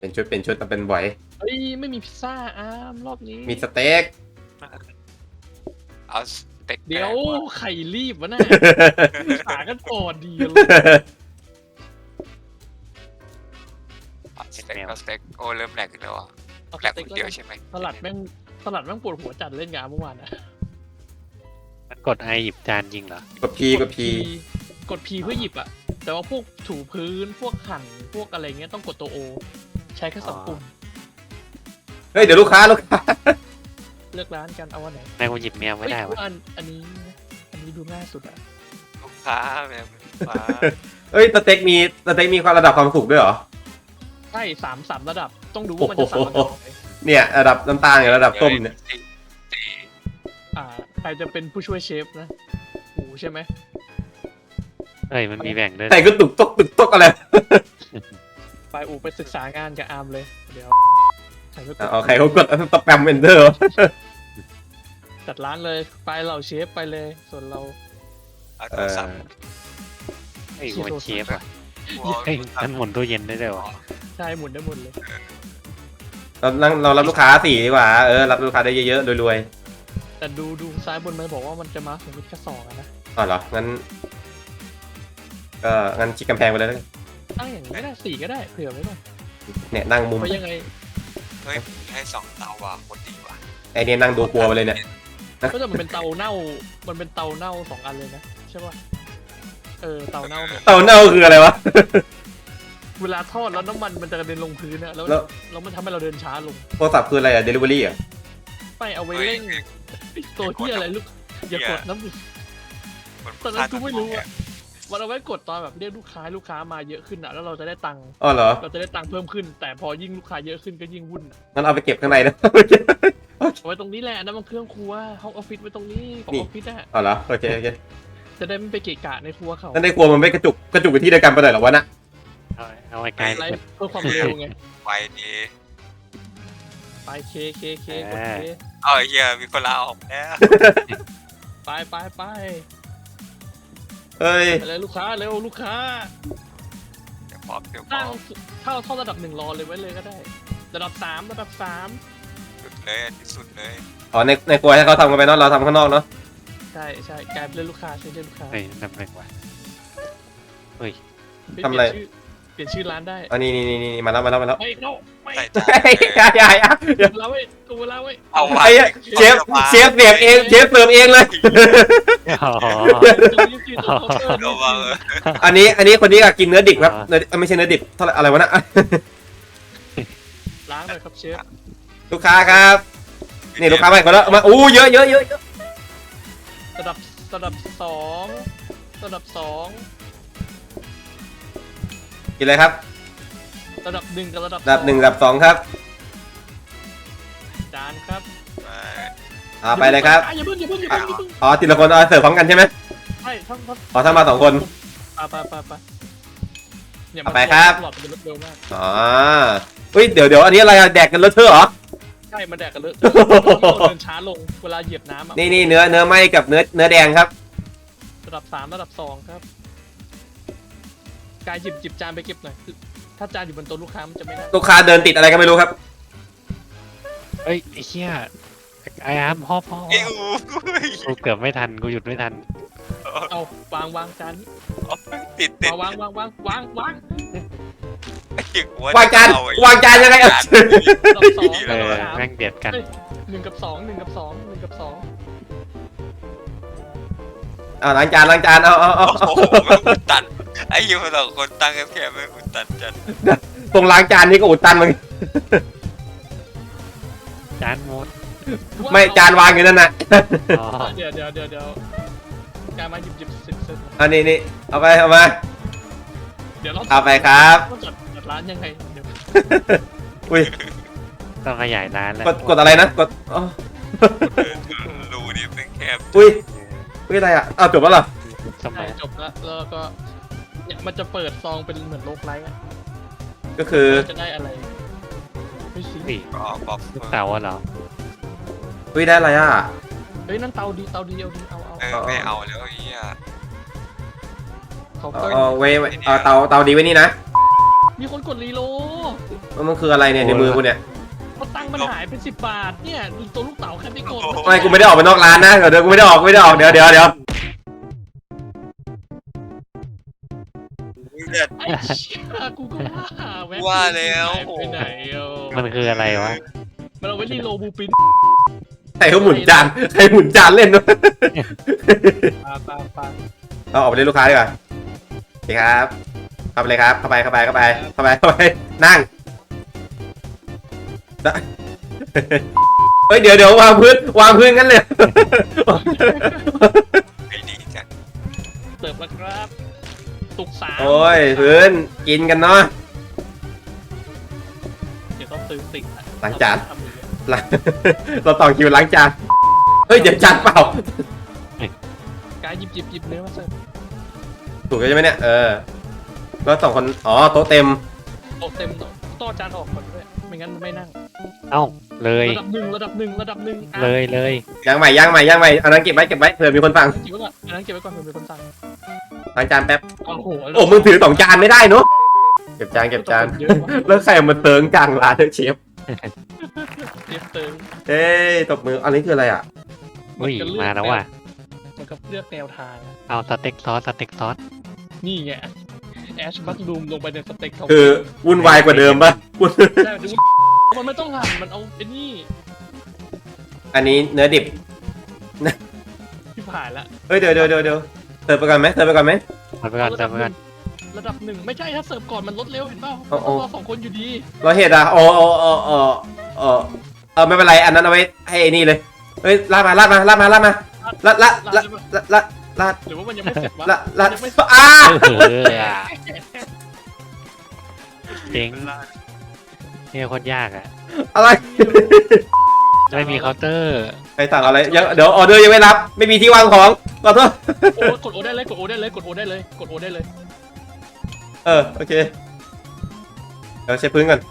เป็นชุดแต่เป็นบ่อยเฮ้ยไม่มีพิซซ่ารอบนี้มีสเต็กเอาสเต็กเดี๋ยวไข่รีบวะน่ะขากันก่อนดีเลยสเต็กเอาสเต็กโอ้เริ่มแหลกแล้วอ่ะเอาแหลกสคนเดียวใช่ไหมสลัดแม่งปวดหัวจัดเล่นงานเมื่อวานนะมันกดไอหยิบจานยิงเหรอกดพีกดพีกด P เพื่อหยิบอะแต่ว่าพวกถูพื้นพวกหั่นพวกอะไรเงี้ยต้องกดตัว O ใช้แค่สองปุ่มเฮ้ยเดี๋ยวลูกค้าเลือกร้านกันเอาวันไหนนายกูหยิบแมวไม่ได้เฮ้วะยอันนี้ดูง่ายสุดอะลูกค้าแม่ลูกค้าเฮ้ยสเต็กมีความระดับความสุกด้วยเหรอใช่สามระดับต้องดูว่ามันจะสามระดับไหนเนี่ยระดับน้ำตาลกับระดับต้มเนี่ยใครจะเป็นผู้ช่วยเชฟนะอูใช่ไหมเฮ้ยมันมีแบ่งด้วยแต่ก็ตุกตกอะไรไปอูไปศึกษางานกับอาร์มเลยเดี๋ยวใครก็เอาใครเขากดสแปมเอนเตอร์จัดร้านเลยไปเราเชฟไปเลยส่วนเราเอาโทรศัพท์เฮ้ยกูเป็นเชฟว่ะกูเอาเฮ้ยโทรศัพมันท์หมุนตู้เย็นได้ด้วยวะใช่หมุนได้หมดเลยเรารับลูกค้า4ดีกว่ารับลูกค้าได้เยอะๆรวยแต่ดูซ้ายบนมันบอกว่ามันจะมาสมมติแค่สองอะนะๆอ๋อเหรองั้นชิดกำแพงไปเลยแล้วกันตั้งอย่างนี้ก็ได้สี่ก็ได้เผื่อไว้หน่อยเนี่ยนั่งมุมเพราะยังไงเฮ้ยให้2 เตาว่ะหมดดีว่ะไอเนี่ยนั่งดูกลัวไปเลยเนี่ยก็จะมันเป็นเตาเน่ามันเป็นเตาเน่าสองอันเลยนะใช่ป่ะเตาเน่าเนี่ยเต่าเน่าคืออะไรวะเวลาทอดแล้วน้ำมันมันจะกระเด็นลงพื้นนะแล้วแล้วมันทำให้เราเดินช้าลงโทรศัพท์คืออะไรอะเดลิเวอรี่อะไปเอาไว้เร่งตัวที่อะไรลูกอย่ากดน้ำดิตอนนั้นกูไม่รู้อะมันเอาไว้กดตอนแบบเรียกลูกค้ามาเยอะขึ้นอะแล้วเราจะได้ตังค์อ๋อเหรอเราจะได้ตังค์เพิ่มขึ้น แต่พอยิ่งลูกค้าเยอะขึ้นก็ยิ่งวุ่นอะงั้นเอาไปเก็บข้างในนะเอาไว้ตรงนี้แหละอันนั่นมันเครื่องครัวห้องออฟฟิศไว้ตรงนี้ของออฟฟิศอะอ๋อเหรอโอเคจะได้ไม่ไปเกะกะในครัวเขานั่นในครัวมันไม่กระจุกไปที่เดียวกันไปเลยเหรอวะน่ะเอาไว้ไกลไลสุดฟ์เพื่อความเร็วไงไวดีไปเคกดเคเอาไอ้เหี้ยมีคนลาออกแล้วไปเฮ้ยไปเลยลูกค้าเร็วลูกค้าเดี๋ยวพร้อมเดี๋ยวพร้ตั้อง มเข้าระดับ1รอเลยไว้เลยก็ได้ ระดับ3 สุดเลยอันที่สุดเลยอ๋อในครัวให้เขาทำกันไปเนาะเราทำข้างนอกเนาะใช่กลายเป็นลูกค้าใช่ลูกค้าเฮ้ยนำเร็วว่ะเฮ้ยเปลี่ยนชื่อร้านได้อันนี้มาแล้วไม่ใส่จานเฮ้ยอย่ากูเล่าไว้เอาไว้ไอ้เชฟเสียบเองเชฟเสิร์ฟเองเลยอ๋อระวังอันนี้คนนี้ก็กินเนื้อดิบครับไม่ใช่เนื้อดิบเท่าไหร่อะไรวะน่ะล้างเลยครับเชฟลูกค้าครับนี่ลูกค้าใหม่คนแล้วมาอู้เยอะระดับ2ระดับ2 กินเลยครับระดับ1กับระดับระดับ1ระดับ2ครับจานครับไปเลยครับอย่าเพิ่งอ๋อทีละคนเอาเสิร์ฟพร้อมกันใช่ไหมใช่ทั้งอ๋อถ้ามา2 คนไปเนี่ยเอาไปครับหลอดมันเร็วมากอ๋อเฮ้ยเดี๋ยวอันนี้อะไรอะแดกกันเลอะเทอะเหรอใช่มันแดกกันเลยเดินช้าลงเวลาเหยียบน้ำอ่ะนี่เนื้อไหม้กับเนื้อแดงครับระดับ3ระดับ2ครับกายหยิบจานไปเก็บหน่อยถ้าจานอยู่บนโต๊ะลูกค้ามันจะไม่ได้ลูกค้าเดินติดอะไรก็ไม่รู้ครับเฮ้ยไอ้เหี้ยไอ้อาร์มพ่อไอ้อูกูเกือบไม่ทันกูหยุดไม่ทันเอาวางจานนี้ติดวางไอ้เหี้ยกูวางจานยังไงอ่ะระดับ2 เอระอดับแม่งเบียดกัน 1กับ2 1กับ2 1กับ2 ล้างจานเอาโอ้โหแม่งอุดตันไอ้เหี้ยคน2 คนตั้งแค่แม่งอุดตันจัดตรงล้างจานนี่ก็อุดตันมันจานหมดไม่จานวางอยู่นั่นน่ะอ๋อเดี๋ยวการมาหยิบเสร็จอันนี้เอาไปมาเดี๋ยวเราเอาไปครับจัดร้านยังไงเดี๋ยวอุ้ยต้องขยายร้านแล้วกดอะไรนะกดอ๋อรูนี่เป็นแคบอุ้ยอะไรอ่ะอ้าวจบแล้วเหรอสมัใช่ยจบแล้วก็เนี่ยมันจะเปิดซองเป็นเหมือนโลกไลท์อ่ะก็คือจะได้อะไรไม่สิสี่บอกลูกเต๋าอะเหรออุ้ยได้อะไรอ่ะเฮ้ยนั่นเตาดีเอาไม่เอาแล้วไอ้เหี้ยเขาเอาเตาดีไว้นี่นะมีคนกดรีโหลดมันคืออะไรเนี่ยในมือกูเนี่ยเพราะตังค์มันหายเป็น10 บาทเนี่ยตัวลูกเต๋าแค่ไปกดไม่กูไม่ได้ออกไปนอกร้านนะเดี๋ยวกูไม่ได้ออกเดี๋ยวเลือดไอ้เชี่ยกูก็ว่าว่าแล้วหายไปไหนอ่ะมันคืออะไรวะมันเอาไว้รีโหลดบูปินใครเขาหมุนจานใครหมุนจานเล่นวะปาเอาออกไปเล่นลูกค้าดีกว่าโอเคครับเข้าไปเลยครับเข้าไปนั่งได้เฮ้ยเดี๋ยววางพื้นกันเลยไอ้ดีจังเสิร์ฟแล้วครับตุกสามโอ้ยพื้นกินกันเนาะเดี๋ยวต้องซื้อติ๊กล้างจาน เราต่อคิวล้างจานเฮ้ยเดี๋ยวจานเปล่าการหยิบเนื้อมาเสิร์ฟถูกใช่ไหมเนี่ยแล้ว2 คนอ๋อโต๊ะเต็มโต๊ะเต็มโต๊ะจานออกก่อนด้วยไม่งั้นมันไม่นั่งเอ้าเลยระดับหนึ่งอ่ะเลยย่างใหม่อันนั้นเก็บไว้เผื่อมีคนฟังเก็บไว้ก่อนอันนั้นเก็บไว้ก่อนเผื่อมีคนสั่งล้างจานแป๊บโอ้โหโอ้มึงถือ2 จานไม่ได้เนอะเก็บจานเยอะว่ะแล้วใครเอามาเติงจังร้านเชฟเตรียมเติมเอ้ยตบมืออันนี้คืออะไรอ่ะอุ้ยมาแล้วว่ะมันก็เลือกแนวทางอะเอาสเต็กซอสนี่ไงแอชบัตลูมลงไปในสเต็กเขาคือวุ่นวายกว่าเดิมป่ะใช่ดูมันไม่ต้องหั่นมันเอาไอ้นี่อันนี้เนื้อดิบที่ผ่านละเฮ้ยเดี๋ยวเสิร์ฟไปก่อนไหมมาไปก่อนระดับหนึ่งไม่ใช่ถ้าเสิร์ฟก่อนมันลดเร็วเห็นเปล่าโอ้โอ้เรา2 คนอยู่ดีเราเห็ดอ่ะไม่เป็นไรอันนั้นเอาไว้ให้ไอ้นี่เลยเฮ้ยลาดมาลาดหรือว่ามันยังไม่เสร็จวะลาดยังไม่อ้าเจ๋งเนี่ยโคตรยากอ่ะอะไรไม่มีเคาน์เตอร์ใครสั่งอะไรยังเดี๋ยวออเดอร์ยังไม่รับไม่มีที่วางของขอโทษโอ้กดโอได้เลยกดโอได้เลยโอเคเดี๋ยวเช็ดพื้นก่อน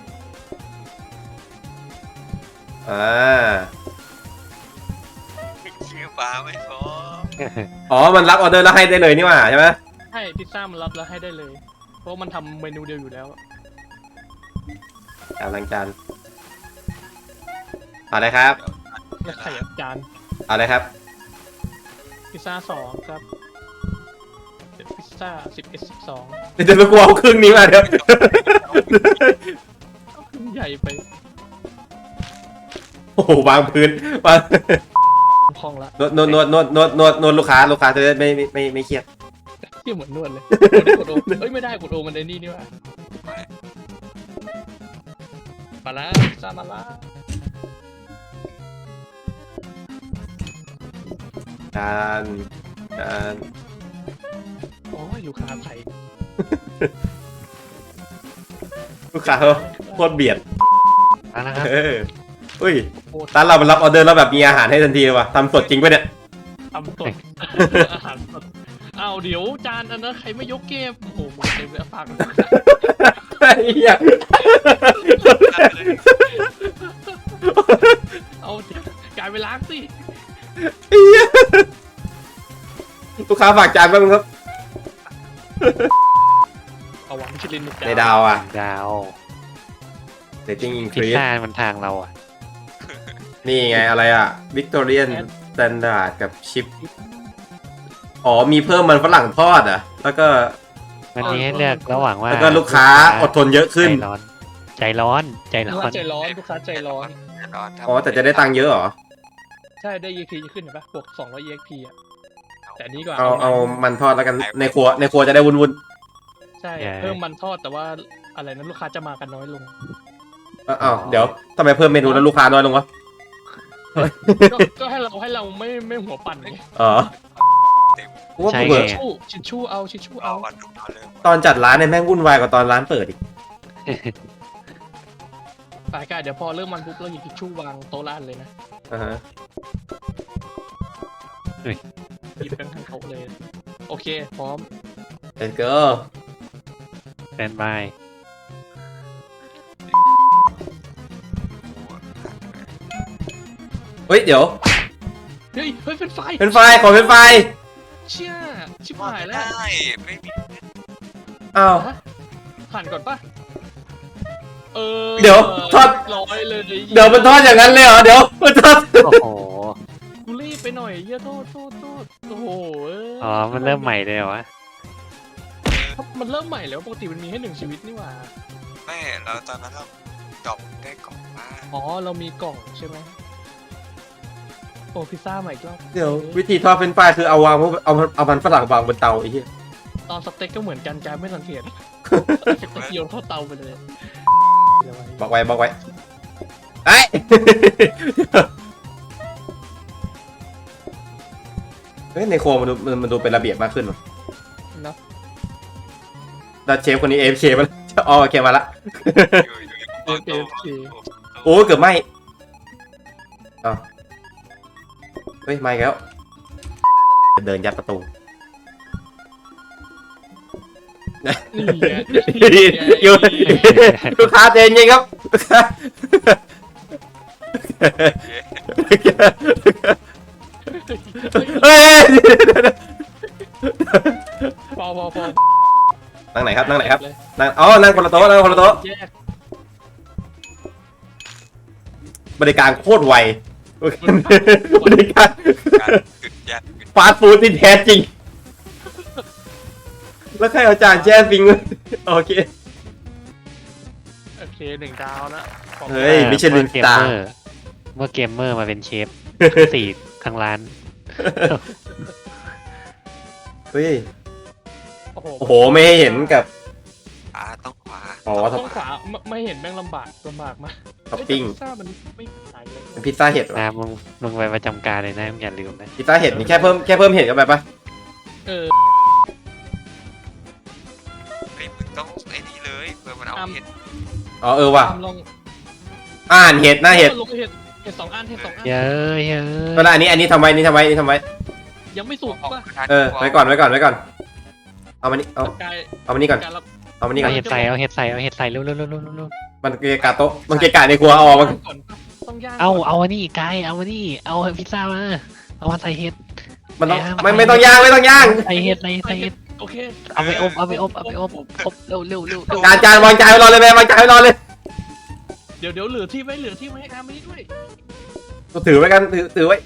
ชื่อฟ้าไม่พออ๋อมันรับออเดอร์แล้วให้ได้เลยนี่หว่าใช่ไหมใช่พิซซ่ามันรับแล้วให้ได้เลย เพราะมันทำเมนูเดียวอยู่แล้วล้างจานเอาเลยครับแล้วไข่จานเอาเลยครับพิซซ่า2ครับพิซซ่า10s เดี๋ยวกูเอาครึ่งนี้มาเดี๋ยว 12ใหญ่ไปโอ้โหวางพื้นวางคล่องละนวดลูกค้าจะได้ไม่เครียดเที่ยเหมือนนวดเลยกดโอเอ้ยไม่ได้กดโอมันไอ้นี่นี่วะมาแล้วพิซซ่ามาแล้วจานโอ้ยลูกค้าไทยลูกค้าเขาโคตรเบียดมาแล้วครับอุ้ยร้านเรามันรับออเดอร์แล้วแบบมีอาหารให้ทันทีเลยว่ะทำสดจริงปะเนี่ยทำสดอาหารสดอ้าวเดี๋ยวจานอันนั้นใครไม่ยกเก็บโอ้โหมึงเต็มเลยฝากไอ้เหี้ยเอากลายไปล้างสิไอ้เหี้ยลูกค้าฝากจานบ้างครับเอาหวังชิลินหนึ่งในดาวอ่ะดาว rating พิซ increase ซ่ามันทางเราอ่ะนี่ไงอะไรอ่ะ Victorian Standard กับชิปอ๋อมีเพิ่มมันฝรั่งทอดอ่ะแล้วก็มันมีให้เลือกระหว่างว่าแล้วก็ลูกค้าอดทนเยอะขึ้นใจร้อนลูกค้าใจร้อนลูกค้าใจร้อนอ๋อแต่จะได้ตังค์เยอะเหรอใช่ได้ EXP ขึ้นเห็นปะบวก200 EXP อ่ะแต่อันนี้ก็เอามันทอดแล้วกันในครัวจะได้วุ่นใช่เพิ่มมันทอดแต่ว่าอะไรนั้นลูกค้าจะมากันน้อยลงๆอ้าวเดี๋ยวทำไมเพิ่มเมนูแล้วลูกค้าน้อยลงวะก็ให้เราไม่หัวปั่นไงอ๋อกูว่าใช่เปิดไงชิชชู่เอาเอาวันทุกตอนเลยตอนจัดร้านเนี่ยแม่งวุ่นวายกว่าตอนร้านเปิดอีกสายการเดี๋ยวพอเริ่มมันปุ๊บเราหยิบทิชชู่วางโต๊ะร้านเลยนะอ่าฮะหยิบกันทั้งโต๊ะเลยโอเคพร้อม let's go แตนบายเฮ้ยเดี๋ยวเฮ้ยเป็นไฟเป็นไฟขอเป็นไฟเชี่ยชิบหายแล้วได้ไม่มีอ้าวฮผ่านก่อนปะเดี๋ยวทอดร้อยเลยเดี๋ยวมันทอดอย่างนั้นเลยเหรอเดี๋ยวมันทอดโอ้โหกูรีบไปหน่อยเหี้ยโทษโอ้โหอ๋อมันเริ่มใหม่เลยเหรอวะมันเริ่มใหม่แล้วปกติมันมีให้1 ชีวิตนี่หว่าไม่แล้วตอนนั้นเราดอกได้กล่องมาอ๋อเรามีกล่องใช่ไหมโอ้พิซซ่าใหม่อีกรอบเดี๋ยววิธีทอดเป็นปลายคือเอาวางเอามันฝรั่งวางบนเตาไอ้เหี้ยตอนสเต็กก็เหมือนกันการไม่สังเกตสเต็กโยนเข้าเตาไปเลยบอกไว้ไอ้ย เฮ้ยในครัวมันดูเป็นระเบียบมากขึ้นว่ะนะแล้วเชฟคนนี้ AFK มาแล้วอ๋อโอเคมาละอยู่โอ้เกือบไหมอ้าวเฮ้ยไม่แล้วเดินยัดประตูนี่ไงอยู่ลูกค้าเจนยิงครับลูกค้าเฮ้ยพอนั่งไหนครับนั่งคนละโต๊ะแยกบริการโคตรไวบริการการกึดยัดฟาสต์ฟู้ดที่แท้จริง แล้วใครเอาจานแช่ฟิงไว้โอเคโอเค1 ดาวนะเฮ้ย มิชลินสตาร์เมื่อเกมเมอร์มาเป็นเชฟสี่ทางร้านเฮ้ยโอ้โหโอ้โห ไม่ให้เห็นกับต้องขวาอ๋อต้องขวาไม่เห็นแม่งลำบากมากท็อปปิ้งพิซซ่ามันไม่ขายเลยเป็นพิซซ่าเห็ดเหรอนะมึงไปประจำการเลยนะมึงอย่าลืมนะพิซซ่าเห็ดนี่แค่เพิ่มเห็ดเข้าไปปะเออไอ้มึงต้องไอ้นี่เลยเพื่อมันเอาเห็ดอ๋อเออว่ะตามลองอ่านเห็ดหน้าเห็ดลงเห็ด2 อันเห็ด 2 อันเย้ยเย้ก็ได้อันนี้ทำไว้นี่ทำไว้ยังไม่สุกป่ะไว้ก่อนเอามานี่เอามานี่ก่อนการรับเอามานี่ก่เอาอนเห็ดใส่เอาเห็ดใส่เร็วๆมันเกะกะโต๊ะมันเกะกะในครัวเอาออกมาก่อนต้องย่างเอาอันนี้ไกายเอาอันนี้เอาพิซซ่ามาเอามาใส่เห็ดมันต้องไม่ต้องย่างใส่เห็ดใส่เห็ดโอเคเอาไปอบเร็วจานวางจานไว้รอเลยแม่วางจานไว้รอเลยเดี๋ยวเหลือที่ไว้ให้อาร์มนี้ด้วยถือไว้กันถือไว้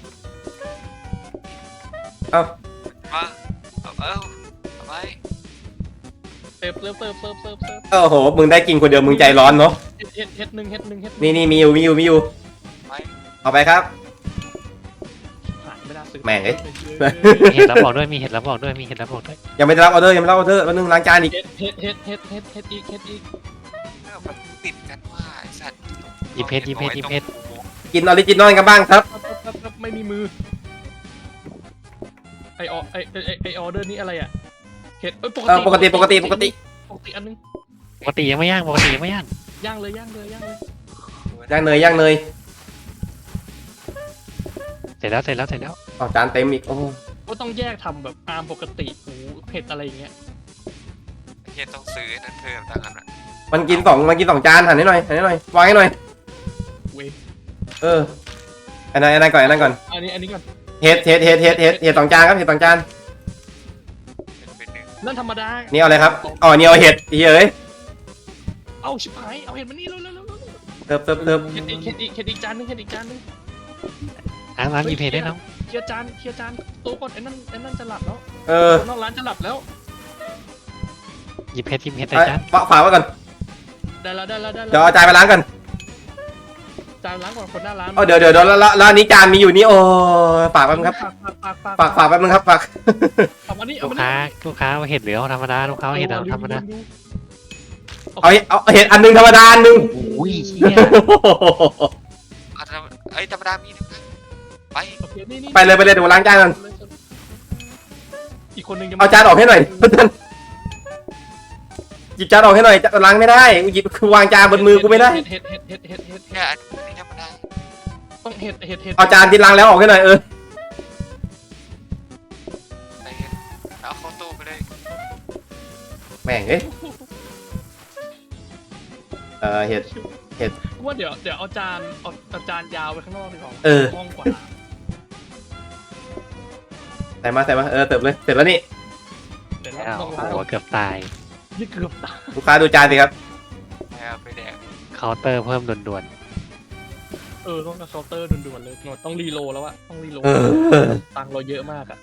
เอามาเอาไปเติมโอ้โหมึงได้กินคนเดียวมึงใจร้อนเนาะเห็ดหนึ่งนี่มีอยู่ไปเอาไปครับหายไม่ได้ซื้อแม่งเอ้ยมีเห็ดรับบอกด้วยมีเห็ดรับบอกด้วยยังไม่ได้รับออเดอร์แล้วนึงล้างจานอีกเห็ดอีกมันติดกันว่าไอ้สัตว์หยิบเพชรกินออริจินอลกันบ้างครับไม่มีมือไอออเดอร์นี้อะไรอ่ะเห็ดปกติอันนึงปกติยังไม่ย่างย่างเลยย่างเนยเสร็จแล้วอ๋อจานเต็มอีกโอ้ก็ต้องแยกทำแบบอาร์มปกติหมูเผ็ดอะไรอย่างเงี้ยเห็ดต้องซื้อนั่นเพิ่มตั้งกันอ่ะมันกินสองจานหันให้หน่อยวางให้หน่อยเว้ยอันนั้นก่อนอันนี้ก่อนเห็ด2 จานครับเห็ด2 จานเป็นหนึ่งนั่นธรรมดานี่เอาอะไรครับอ๋อนี่เอาเห็ดเฮ้ยเอาชิบหายเอาเห็ดมานี่เร็วเติมเห็ดอีกจานนึงอาร์มหยิบเพชรได้น้องเคลียร์จานโต๊ะก่อนไอ้นั่นจะหลับแล้วอคนนอกร้านจะหลับแล้วหยิบเพชรใส่จานฝากไว้ก่อนได้แล้วเดี๋ยวเอาจานไปล้างกันจานล้างก่อนคนหน้าร้านเดี๋ยวแล้วอันนี้จานมีอยู่นี่โอ้ฝากแป๊บนึงครับ ฝากแป๊บนึงครับฝากเอามานี่ลูกค้าเอาเห็ดหรือเอาธรรมดาลูกค้าเอาเห็ดธรรมดาเอาเห็ดอันนึงธรรมดาอันนึงโอ้ยเชี่ยไอ้ธรรมดามีนึงไปไปเลยเดี๋ยวล้างจานกันอีกคนนึงเอาจานออกให้หน่อยหยิบจานออกให้หน่อยล้างไม่ได้หยิบคือวางจานบนมือกูไม่ได้เห็ดแค่อันนี้ธรรมดาต้องเห็ดเอาจานที่ล้างแล้วออกให้หน่อยไอ้เห็ดเอาเข้าตู้ไปเลยแม่งเอ้ยเห็ดว่าเดี๋ยวเอาจานยาวไปข้างนอกดีกว่าห้องกว่าใส่มาเติมเลยเสร็จแล้วนี่เดี๋ยวโอ้ต้องโหเกือบตายนี่เกือบตายลูกค้าดูจานสิครับแล้วไปแดกเคาน์เตอร์เพิ่มด่วนต้องเคาน์เตอร์ด่วนๆเลยหนวดต้องรีโหลดแล้วอะต้องรีโหลดเออตังค์เราเยอะมากอะ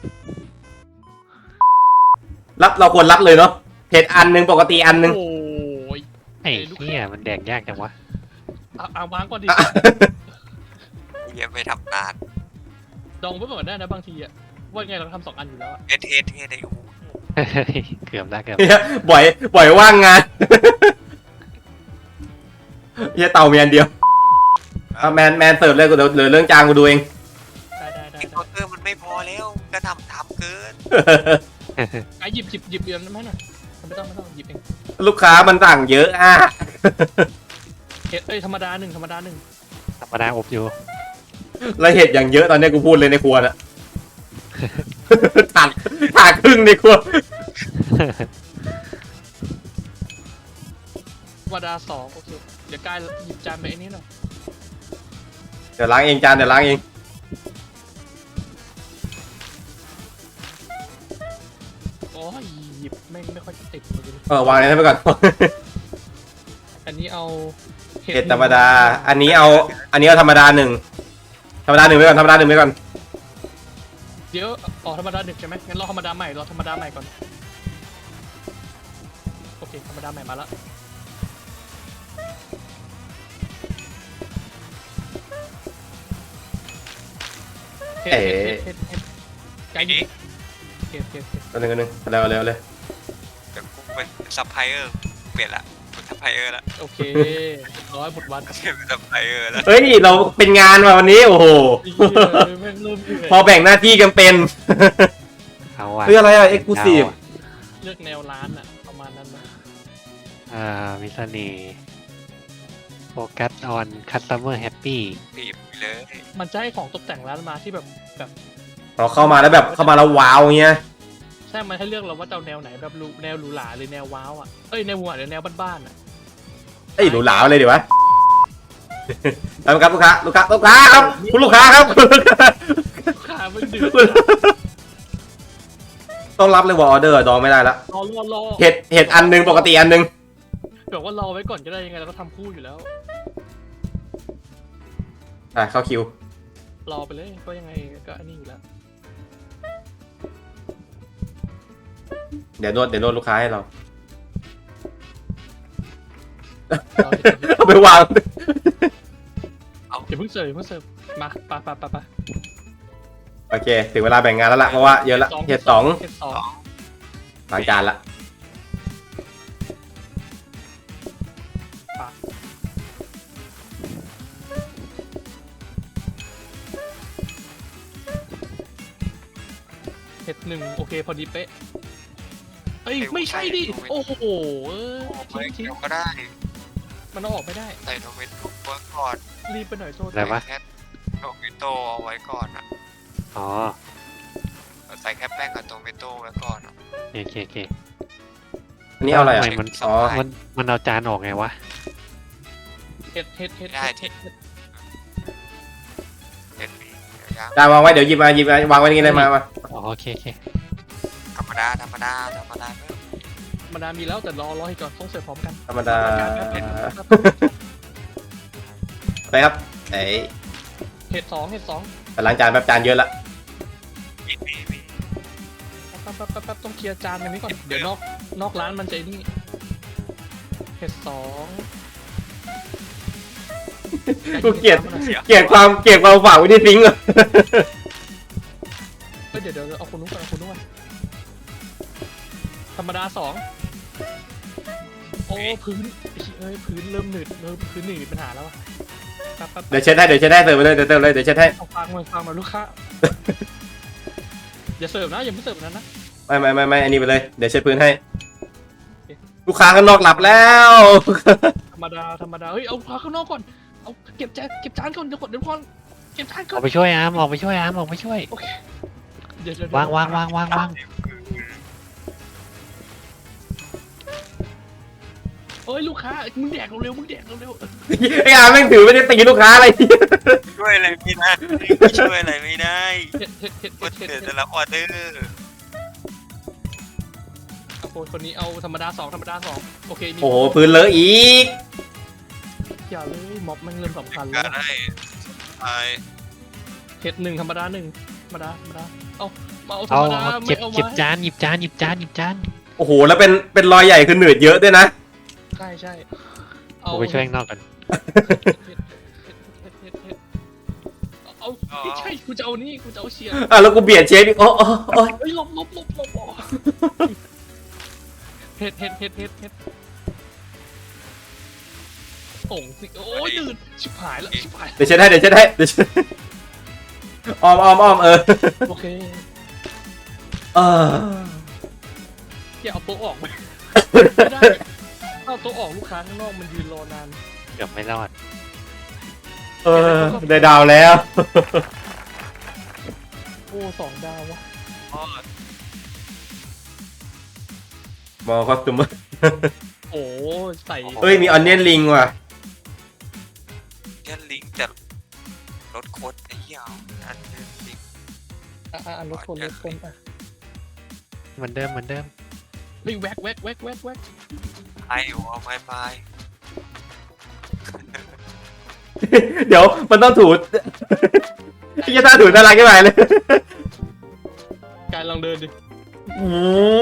รับเราควรรับเลยเนาะเห็ดอันหนึงปกติอันหนึงโอ้ยๆไอ้เหี้ยมันแดกยากจังวะเอาวางก่อนดิเหี้ยังไม่ทำนานดองไว้ก่อนได้นะบางทีอะว่าไงเราทำ2 อันอยู่แล้วอะเทสไอ้โอ้โหเกือบได้เกือบเหี้ยบ่อยว่างงานเฮียเต่ามีอันเดียวเอาแมนเสิร์ฟเลยกูเดี๋ยวเหลือเรื่องจานกูดูเองได้ไอ้เคาน์เตอร์มันไม่พอแล้วก็ทำเกินไอ้หยิบเดือนไหมน่ะไม่ต้องหยิบเองลูกค้ามันสั่งเยอะอ่ะธรรมดาหนึ่งธรรมดาอบอยู่แล้วเห็ดอย่างเยอะตอนนี้กูพูดเลยในครัวน่ะ ถาดครึ่งในครัวธรรมดา2โอเคเดี๋ยวกายหยิบจานไปไอ้นี้หน่อยเดี๋ยวล้างเองจานเดี๋ยวล้างเองโอ้ยหยิบไม่ค่อยจะติดเลยวางนี้ไปก่อนอันนี้เอาเห็ดธรรมดา อันนี้เอาธรรมดาหนึ่งไปก่อนธรรมดาหนึ่งไปก่อนเดี๋ยวธรรมดา1ใช่ไหมงั้นรอธรรมดาใหม่ก่อนโอเคธรรมดาใหม่มาแล้วเห็ดไก่ดิเห็ดตัวหนึ่งเร็วเลยเดี๋ยวกูเป็นซัพพลายเออร์เปลี่ยนละเป็นซัพพลายเออร์ละโอเค100 บทวันเปลี่ยนเป็นซัพพลายเออร์แล้วเฮ้ยเราเป็นงานมาวันนี้โอ้โหแม่งเริ่มเหนื่อยพอแบ่งหน้าที่กันเป็นเอาว่ะเพื่ออะไรอ่ะ exclusive เลือกแนวร้านอะประมาณนั้นนะมีเสน่ห์โฟกัสออนคัสเตอร์แฮปปี้ปีบไปเลยมันจะให้ของตกแต่งร้านมาที่แบบเราเข้ามาแล้วว้าวเงี้ยใช่มันให้เลือกเราว่าจะเอาแนวไหนแบบแนวหรูหราหรือแนวว้าวอ่ะแนวหวานหรือแนวบ้านๆอ่ะเอ้ยหรูหราเลยดีวะ ทำครับลูกค้าครับคุณลูกค้าครับขาไม่เดือดต้องรับเลยว่าออเดอร์ดองไม่ได้ละรอเห็ดอันหนึงปกติอันหนึงแบบว่ารอไว้ก่อนก็ได้ยังไงเราก็ทำคู่อยู่แล้วเข้าคิวรอไปเลยก็ยังไงก็อันนี้อยู่แล้วเดี๋ยวนวดลูกค้าให้เรารอเอาไปวางอย่าเพิ่งเสิร์ฟมาไปโอเค ถึงเวลาแบ่งงานแล้วล่ะเพราะว่าเยอะละเห็ดสองเห็ดสองล้างจานละเห็ด1โอเคพอดีเป๊ะไม่ใช่ดิโอ้โหไม่ทิ้งเกี่ยวก็ได้มันเอาออกไม่ได้ใส่โทเมโต้ไว้ก่อนรีบไปหน่อยโทษอะไรวะแค่โทเมโต้เอาไว้ก่อนอ่ะอ๋อใส่แค่แป้งกับโทเมโต้ไว้ก่อนอะโอเคอันนี้เอาอะไรอ่ะทำไมมันอ๋อมันเอาจานออกไงวะเห็ดเห็นมียังจานวางไว้เดี๋ยวหยิบมาวางไว้นี่เลยมาอ๋อโอเคธรรมดาเพิ่มธรรมดามีแล้วแต่รอให้ก่อนต้องเสิร์ฟพร้อมกันธรรมดาไปครับไหนเห็ดสองแต่ล้างจานแบบจานเยอะละมีแป๊บต้องเคลียร์จานกันนี้ก่อนเดี๋ยวนอกร้านมันจะนี่เห็ดสองกูเกลียดความฝากไว้ที่ซิงค์เลยเดี๋ยวเอาคนนู้นก่อนธรรมดา2โอ้พื้นพื้นเริ่มหนืดพื้นหนืดมีปัญหาแล้วอะแป๊บเดี๋ยวเช็ดให้เสิร์ฟไปเลยเดี๋ยวเช็ดให้เอาฟังมาลูกค้าอย่าเสิร์ฟนะอย่าไม่เสิร์ฟนั้นนะไม่อันนี้ไปเลยเดี๋ยวเช็ดพื้นให้ ลูกค้าข้างนอกหลับแล้วธรรมดาเอาพาข้างนอกก่อนเอาเก็บจานก่อนเดี๋ยวก่อนเก็บจานก่อออน กไปช่วยอาร์มออกไปช่วยเดี๋ยววางลูกค้ามึงแดกเร็วไอ้อาแม่งถือไม่ได้ตีลูกค้าอะไรช่วยอะไรไม่ได้ช่วยอะไรไม่ได้เห็ดคนเดือดจะรับออเดอร์คนนี้เอาธรรมดาสองธรรมดาสองโอเคมีโอ้โหพื้นเลอะอีกอย่าเลยม็อบแม่งเริ่มสำคัญกาแล้วรให้ไอ้เห็ดหนึ่งธรรมดาหนึ่งธรรมดาธรรมดาเอามาเอาธรเอารมดาเก็ไม่บเอาเก็บมาจานหยิบจานหยิบจานหยิบจานโอ้โหแล้วเป็นรอยใหญ่คือหนืดเยอะด้วยนะใช่ใช่กูไปช่วยข้างนอกกันเอาไม่ใช่กูจะเอานี่กูจะเอาเชียร์อ่ะแล้วกูเบียดเชฟอีกโอ้เฮ้ยหลบเห็ดส่งสิโอ้ยดืดชิบหายแล้วชิบหายเดี๋ยวเช็ดให้อ้อมเออโอเคเอออย่าเอาโต๊ะออกไปไม่ได้เอาโต๊ะออกลูกค้าข้างนอกมันยืนรอนานเกือบไม่รอดเออได้ดาวแล้วโอ้สองดาววะพ่อมอคอสตูมโอ้ใส่เฮ้ยมีออนเนียนลิงว่ะแค่ลิงแต่รถโคตรไอ้เหี้ยอันนี้ลิงรถคนอ่ะเหมือนเดิมเฮ้ยแวกไอ้หัวไม้พายเดี๋ยวมันต้องถูไอ้ยาตาถูน่ารักขึ้นไปเลยการลองเดินดิโอ้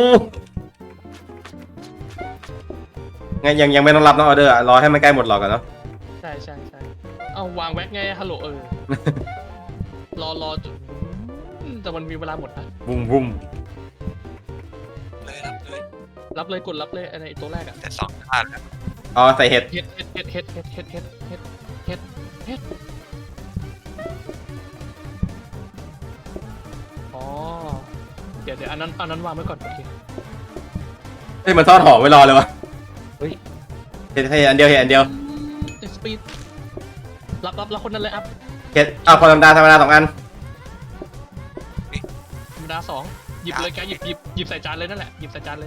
ไงยังไม่ต้องรับน้องออเดอร์อะรอให้มันใกล้หมดหรอกก่อนเนาะใช่เอาวางแวกไงฮัลโหลรอจุดแต่มันมีเวลาหมดนะบุ้มเลยเลยรับเลยกดรับเลยไอ้ตัวแรกอะแต่สองท่านแล้วอ๋อใส่เห็ดเฮ็ดอ๋อเดี๋ยวอันนั้นวางไว้ก่อนโอเคเฮ้ยมันทอดหอมไว้รอเลยวะเห็ดอันเดียวสปีดรับคนนั้นเลยอัพเห็ดเอาพอธรรมดา2 อันธรรมดาสองหยิบเลยแกหยิบใส่จานเลยนั่นแหละหยิบใส่จานเลย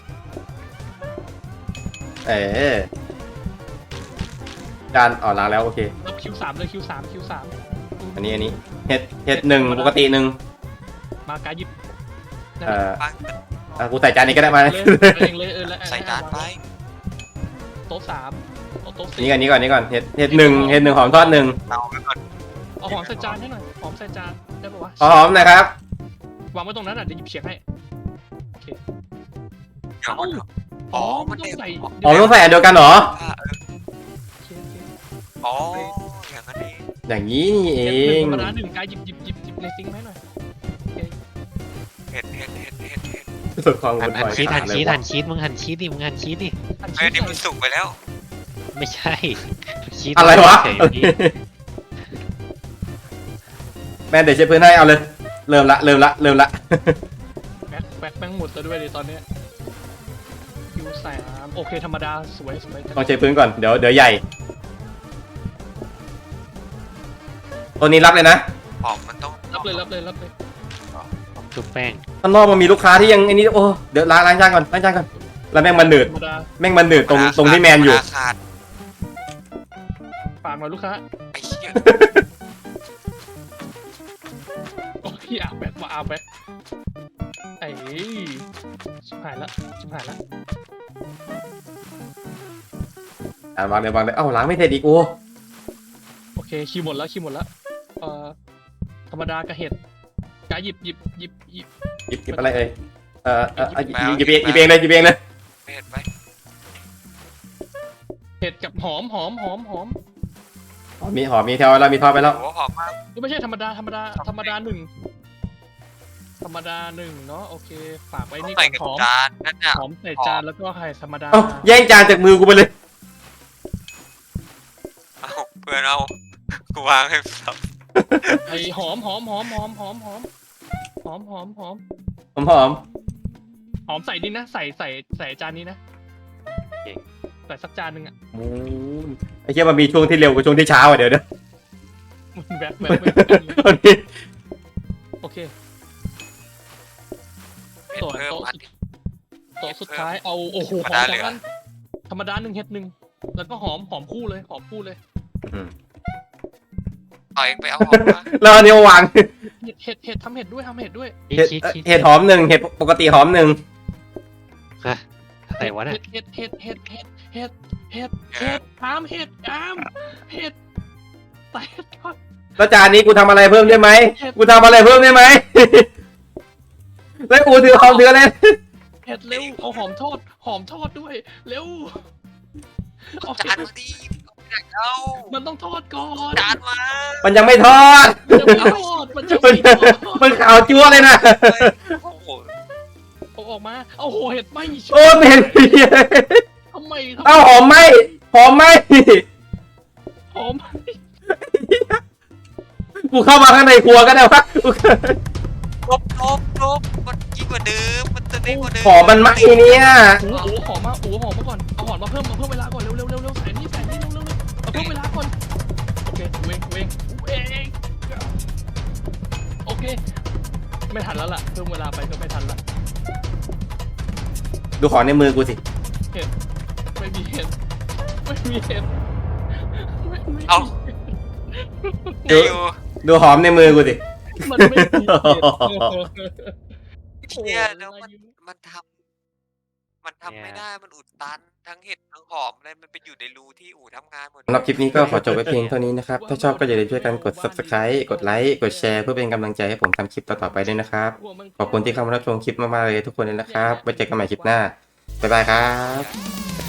จานล้างแล้วโอเครับคิวสามเลยคิวสามอันนี้เห็ด1ปกติ1 มากาหยิบปั้งกูใส่จานนี้ก็ได้มาเองเลยแล้วใส่จานไปโต๊ะสามโต๊ะสี่นี่ก่อนเห็ด1หอมทอด1 เตาไปก่อนเอาหอมใส่จานให้หน่อยหอมใส่จานได้ปะวะหอมนะครับวางไว้ตรงนั้นอ่ะเดี๋ยวหยิบเฉียงให้โอเคเดี๋ยวเอ้าอ๋อมัมัน นต้องใส่อ๋อต้องใส่อันเดียวกันเหรออ๋ออย่างนั้นเองอย่างนี้นี่เอหนึ่งงธรรมดาหนึ่งกายหยิบในซิงค์ให้หน่อยเห็ดสุดความหั่วุ่นนวายชีสขาดเลยมึงว่ะหั่นชีสดิมึงหั่นชีสดิอันเฮ้ยนี่มันใส่สุกไปแล้วไม่ใช่ชีสอะไรวะเฉยๆพี่แม่เดี๋ยวเช็ดพื้นให้เอาเลย เริ่มละแบ็คแม่งหมดแล้วด้วยดิตอนเนี้ยคิวสามโอเคธรรมดาสวยต้องเช็ดพื้นก่อนเดี๋ยวใหญ่ ตัวนี้รับเลยนะหอมมันต้องรับเลยชุบแป้งข้างนอกมันมีลูกค้าที่ยังไอ้นี่โอ้เดี๋ยวล้างจานก่อนแล้วแม่งมันหนืดธรรมดาตรงที่แมนอยู่ขาดฝากหน่อยลูกค้าไอ้เหี้ยโอ้ยอาแบ็คมาอาแบ็คไอ้ชิบหายละวางเลยเอ้าล้างไม่เสร็จอีกโอ้โอเคคิวหมดแล้วธรรมดากระเห็ดกายหยิบหยิบอะไรเอ่ยหยิบเองเลยเห็ดไหมเห็ดกับหอมมีแถวแล้วมีทอดไปแล้วโอ้หอมมากไม่ใช่ธรรมดาหนึ่งเนาะโอเคฝากไว้นี่ใส่ก่อนกับหอมจานนั่นน่ะหอมใส่จานแล้วก็ไข่ธรรมดาเอ้าแย่งจานจากมือกูไปเลยเอาเพื่อนเอากูวางให้สับไอ้หอมใส่นี่นะใส่จานนี้นะใส่สักจานหนึ่งอ่ะไอ้เชี่ยมันมีช่วงที่เร็วกับช่วงที่ช้าอ่ะเดี๋ยวมันแวบโอเคเห็ดส่วนเพิ่มโต๊ะสุดท้ายเอาโอ้โหหอมสองอันธรรมดาหนึ่งเห็ดหนึ่งแล้วก็หอมคู่เลยเอาเองไปเอาหอมมาแล้วอันนี้วางเห็ดทำเห็ดด้วยชีสเห็ดหอม1เห็ดปกติหอม1 ฮะอะไรวะเนี่ยเห็ดอามเห็ดใส่ทอดแล้วจานนี้กูทำอะไรเพิ่มได้ไหมกูทำอะไรเพิ่มได้ไหม แล้วอูถือของถืออะไรเห็ดเร็วเอาหอมทอดด้วยเร็วเอาจาเห็นดมาดิเอามันต้องทอดก่อนจานมามันยังไม่ทอดมันจะไม่ทอดมันจะมัไม่นทอดมันขาวจั๊วเลยนะโอ้โหเอาออกมาเอาโหเห็ดไหมโอ้ไม่เห็นทำไมเอาหอมไหมหอมไหมหอมกูเข้ามาข้างในครัวก็ได้วะลบมันยิ่งกว่าเดิมมันจะได้กว่าเดิมหอมมันไหมเนี่ยอูหอมมาก่อนเอาหอมมาเพิ่มเวลาก่อนเร็วใส่นี่เร็วเอาเพิ่มเวลาก่อนโอเคเวงโอเคไม่ทันแล้วล่ะเพิ่มเวลาไปก็ไม่ทันละดูของในมือกูสิไม่มีเห็ดเอาเดี๋ยวดูหอมในมือกูสิมันไม่มีเห็ดเชี่ยแล้วมันทำไม่ได้มันอุดตันทั้งเห็ดทั้งหอมเลยมันไปอยู่ในรูที่อู่ทำงานหมดสำหรับคลิปนี้ก็ขอจบไว้เพียงเท่านี้นะครับ ถ้าชอบก็อย่าลืมช่วยกันกด subscribe กดไลค์ กดแชร์เพื่อเป็นกำลังใจให้ผมทำคลิปต่อๆไปด้วยนะครับ ขอบคุณที่เข้ามารับชมคลิปมากๆเลยทุกคนเลยนะครับ ไว้เจอกันใหม่คลิปหน้า บ๊ายบายครับ